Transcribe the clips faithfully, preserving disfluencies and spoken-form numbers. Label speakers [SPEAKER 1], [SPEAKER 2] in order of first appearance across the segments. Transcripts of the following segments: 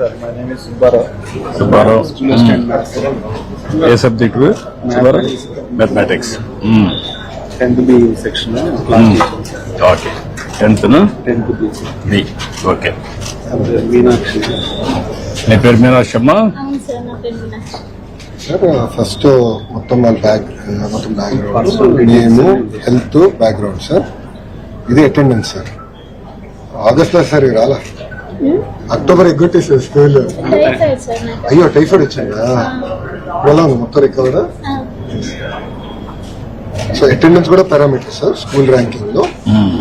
[SPEAKER 1] sir. My name is Subbarao.
[SPEAKER 2] Subbarao.
[SPEAKER 1] Student maths.
[SPEAKER 2] ఏ subject Subbarao? Mathematics.
[SPEAKER 1] tenth B section.
[SPEAKER 2] Okay. Tenth
[SPEAKER 1] tenth B.
[SPEAKER 2] B. Okay.
[SPEAKER 1] Meenakshi.
[SPEAKER 2] నీ పేరు మీనాక్షి అమ్మా?
[SPEAKER 3] అవును sir, నా పేరు మీనాక్షి.
[SPEAKER 4] సార్ ఫస్ట్ మొత్తం వాళ్ళ బ్యాక్ మొత్తం background name health background sir. ఇది అటెండెన్స్ సార్. ఆగస్ట్ లో సార్ రాలా, అక్టోబర్ ఎగ్గొట్టేసారు స్కూల్.
[SPEAKER 3] టైఫాయిడ్ సార్ నాకు.
[SPEAKER 4] అయ్యో టైఫాయిడ్ వచ్చిందా? ఎలా ఉంది మొత్తం రికవర్?
[SPEAKER 3] ఆ,
[SPEAKER 4] సో అటెండెన్స్ కూడా పారామీటర్ సార్ స్కూల్ ర్యాంకింగ్ లో.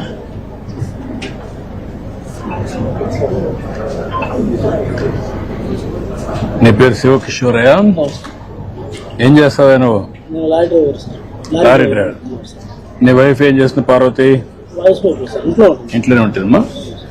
[SPEAKER 2] నీ పేరు శివకిషోరయ్య? ఏం చేస్తావా నువ్వు?
[SPEAKER 5] నేను lorry driver sir.
[SPEAKER 2] Lorry driver. నీ వైఫ్ ఏం చేస్తుంది పార్వతి?
[SPEAKER 5] వాయిస్ పేపర్ సార్, ఇంట్లో ఉంటుంది.
[SPEAKER 2] ఇంట్లోనే ఉంటుందమ్మా.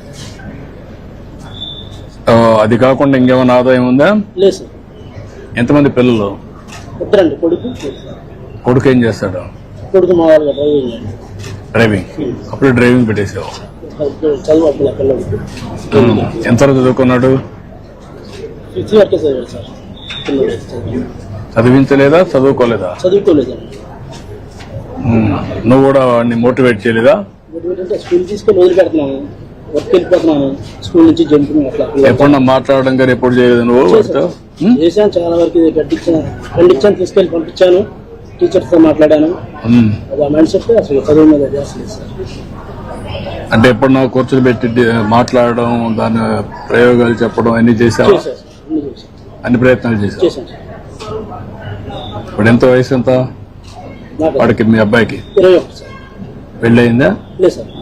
[SPEAKER 2] ఓ, అది కాకుండా ఇంకేమైనా ఆదాయం ఉందా?
[SPEAKER 5] లేదు సార్.
[SPEAKER 2] ఎంతమంది పిల్లలు?
[SPEAKER 5] ఇద్దరండి, కొడుకు
[SPEAKER 2] కొడుకు ఏం చేస్తాడు?
[SPEAKER 5] కొడుకు మా వాళ్ళ డ్రైవింగ్ అండి.
[SPEAKER 2] డ్రైవింగ్. అప్పుడు డ్రైవింగ్ పెట్టేసావు.
[SPEAKER 5] చదువు అప్పుడు పిల్లలు
[SPEAKER 2] ఎంతవరకు చదువుకున్నాడు?
[SPEAKER 5] ఫిఫ్త్ వరకే చదివాడు సార్. పిల్లలు చదువు-
[SPEAKER 2] చదివించలేదా, చదువుకోలేదా?
[SPEAKER 5] చదువుకోలేదండి.
[SPEAKER 2] ఉమ్. నువ్వు కూడా వాడిని మోటివేట్ చేయలేదా?
[SPEAKER 5] అంటే స్కూల్ తీసుకొని వదిలిపెడుతున్నాను, వర్క్ వెళ్ళిపోతున్నాను, స్కూల్ నుంచి జంపింగ్ అట్లా
[SPEAKER 2] ఎప్పుడన్నా మాట్లాడడం కానీ ఎప్పుడు చేయలేదు నువ్వు వాడితో? ఉమ్?
[SPEAKER 5] చేశాను. చాలా వరకు ఇది గడ్డించాను, ఖండించాను, తీసుకెళ్ళి పంపించాను, టీచర్స్ తో మాట్లాడాను.
[SPEAKER 2] ఉమ్.
[SPEAKER 5] అది ఆ మైండ్ సెట్ అసలు చదువు మీద చేస్తలేదు సార్.
[SPEAKER 2] అంటే ఎప్పుడన్నా కూర్చొని పెట్టి డి- మాట్లాడడం, దాని ప్రయోగాలు చెప్పడం అన్ని చేసావా?
[SPEAKER 5] చేశాను సార్, అన్ని చేశాను
[SPEAKER 2] అన్ని ప్రయత్నాలు చేసావు.
[SPEAKER 5] చేశాను సార్.
[SPEAKER 2] ఇప్పుడు ఎంత వయసు ఎంత
[SPEAKER 5] నాకు
[SPEAKER 2] వాడికి, మీ అబ్బాయికి?
[SPEAKER 5] ఇరవై ఒకటి సార్.
[SPEAKER 2] పెళ్ళి అయిందా?
[SPEAKER 5] లేదు సార్.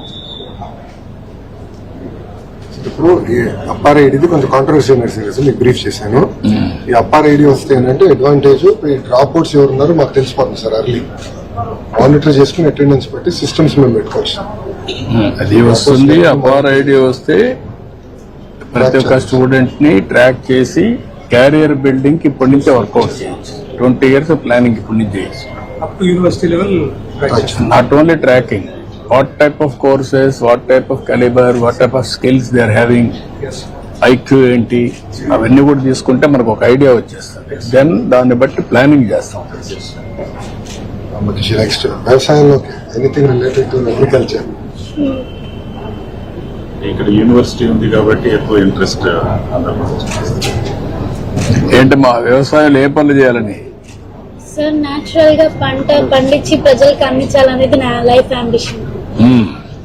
[SPEAKER 4] ఇప్పుడు ఈ అప్పార్ ఐడిది కొంచెం కాంట్రవర్సీ నడిచింది, మీకు బ్రీఫ్ చేశాను. ఈ అప్పార్ ఐడి వస్తే ఏంటంటే అడ్వాంటేజ్ ఈ డ్రాప్ అవుట్స్ ఎవరు ఉన్నారో మాకు తెలిసిపోతుంది సార్. అర్లీ మానిటర్ చేసుకుని అటెండెన్స్ బట్టి సిస్టమ్స్ మేము పెట్టుకోవచ్చు.
[SPEAKER 2] ఉమ్. అది వస్తుంది. అపార్ ఐడి వస్తే ప్రతి ఒక్క స్టూడెంట్ ని ట్రాక్ చేసి క్యారియర్ బిల్డింగ్ కి ఇప్పటి నుంచే వర్కౌట్ చేయొచ్చు. ట్వంటీ ఇయర్స్ ప్లానింగ్ ఇప్పటి నుంచి చేయొచ్చు.
[SPEAKER 6] up to university level.
[SPEAKER 2] Not only tracking, what type of courses, what type of caliber, what type of skills they are having,
[SPEAKER 6] Yes.
[SPEAKER 2] IQ ఏంటి, అవన్నీ కూడా తీసుకుంటే మనకు ఒక ఐడియా వచ్చేస్తుంది. దెన్ దాన్ని బట్టి ప్లానింగ్ చేస్తాం.
[SPEAKER 4] నెక్స్ట్ వ్యవసాయంలోకి ఎనీథింగ్ రిలేటెడ్ టు అగ్రికల్చర్.
[SPEAKER 7] ఇక్కడ యూనివర్సిటీ ఉంది కాబట్టి ఎక్కువ ఇంట్రెస్ట్
[SPEAKER 2] ఏంటి మా వ్యవసాయంలో ఏ పనులు చేయాలని?
[SPEAKER 3] సార్ న్యాచురల్ గా పంట పండించి ప్రజలకు అందించాలనేది నా లైఫ్ అంబిషన్.
[SPEAKER 2] మ్మ్.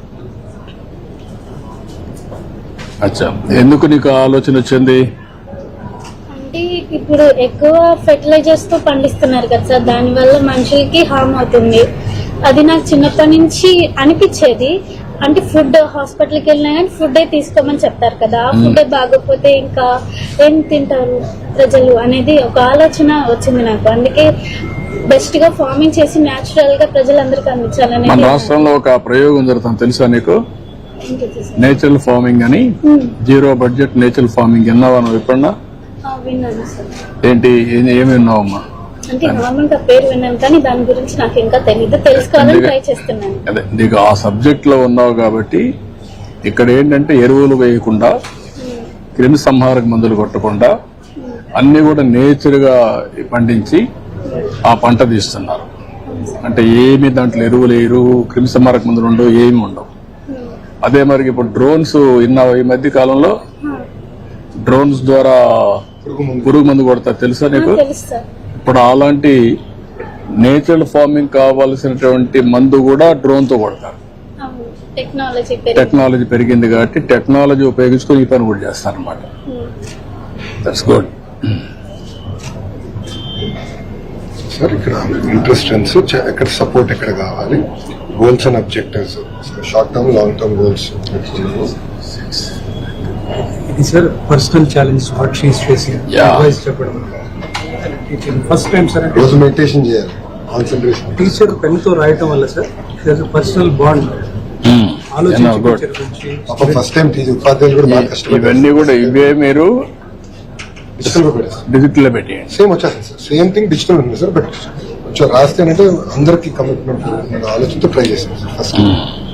[SPEAKER 2] అచ్చా, ఎందుకు నీకు ఆలోచన వచ్చింది?
[SPEAKER 3] అంటే ఇప్పుడు ఎక్కువ ఫెర్టిలైజర్స్ తో పండిస్తున్నారు కదా సార్, దాని వల్ల మనుషులకి హార్మ్ అవుతుంది. అది నాకు చిన్నప్పటి నుంచి అనిపించేది. అంటే ఫుడ్ హాస్పిటల్కి వెళ్ళినా కానీ ఫుడ్ తీసుకోమని చెప్తారు కదా, ఆ ఫుడ్ బాగోకపోతే ఇంకా ఏం తింటారు ప్రజలు అనేది ఒక ఆలోచన వచ్చింది నాకు. అందుకే బెస్ట్ గా ఫార్మింగ్ చేసి న్యాచురల్ గా ప్రజలందరికీ
[SPEAKER 2] మన
[SPEAKER 3] అందించాలనేది.
[SPEAKER 2] రాష్ట్రంలో ఒక ప్రయోగం జరుగుతుంది, తెలుసా నీకు? నేచురల్ ఫార్మింగ్ అని. జీరో బడ్జెట్ నేచురల్ ఫార్మింగ్ విన్నావా నువ్వు ఎప్పుడన్నా?
[SPEAKER 3] విన్నాను సార్.
[SPEAKER 2] ఏంటి, ఏ- ఏమి విన్నావమ్మా?
[SPEAKER 3] అంటే నార్మల్ గా పేరు విన్నాను కానీ దాని గురించి నాకు ఇంకా తెలీదు, తెలుసుకోవాలని ట్రై చేస్తున్నాను.
[SPEAKER 2] అదే, నీకు ఆ సబ్జెక్ట్ లో ఉన్నావు కాబట్టి ఇక్కడ ఏంటంటే ఎరువులు వేయకుండా, క్రిమి సంహారక మందులు కొట్టకుండా అన్ని కూడా నేచర్ గా పండించి ఆ పంట తీస్తున్నారు. అంటే ఏమి దాంట్లో ఎరువులు వేయరు, క్రిమి సంహారక మందులు ఉండవు, ఏమి ఉండవు. అదే మరి ఇప్పుడు డ్రోన్స్ విన్నావు ఈ మధ్య కాలంలో? డ్రోన్స్ ద్వారా పురుగు మందు కొడతారు, తెలుసా నీకు?
[SPEAKER 3] తెలుసు సార్.
[SPEAKER 2] ఇప్పుడు అలాంటి నేచురల్ ఫార్మింగ్ కావాల్సినటువంటి మందు కూడా డ్రోన్ తో కొడతారు.
[SPEAKER 3] టెక్నాలజీ
[SPEAKER 2] టెక్నాలజీ పెరిగింది కాబట్టి టెక్నాలజీ ఉపయోగించుకొని ఈ పని కూడా చేస్తారు అనమాట. That's good.
[SPEAKER 4] సార్ ఇక్కడ ఇంట్రెస్టెన్స్ ఎక్కడ సపోర్ట్ ఎక్కడ కావాలి, goals and objectives, short term long term goals.
[SPEAKER 6] It is her personal challenge what she is facing.
[SPEAKER 2] Yeah.
[SPEAKER 6] Advice చెప్పడం. Teaching first time sir.
[SPEAKER 4] రోజు మెడిటేషన్ చేయాలి, కాన్సన్ట్రేషన్.
[SPEAKER 6] టీచర్ పెన్ తో రాయటం వల్ల sir there's a personal bond. ఆలోచించి
[SPEAKER 2] good.
[SPEAKER 6] Teacher గురించి.
[SPEAKER 4] పాపం first time teacher ఉపాధ్యాయులు కూడా బాగా కష్టపడ్డారు.
[SPEAKER 2] ఇవన్నీ కూడా ఇవే మీరు
[SPEAKER 4] డిజిటల్ గా పెట్టారు.
[SPEAKER 2] డిజిటల్ లో పెట్టేయండి.
[SPEAKER 4] సేమ్ వచ్చేస్తుంది సార్, సేమ్ థింగ్ డిజిటల్ ఉంది సార్. బట్ కొంచెం రాస్తే అంటే అందరికి కమిట్మెంట్ ఆలోచనతో ట్రై చేశాను సార్ ఫస్ట్.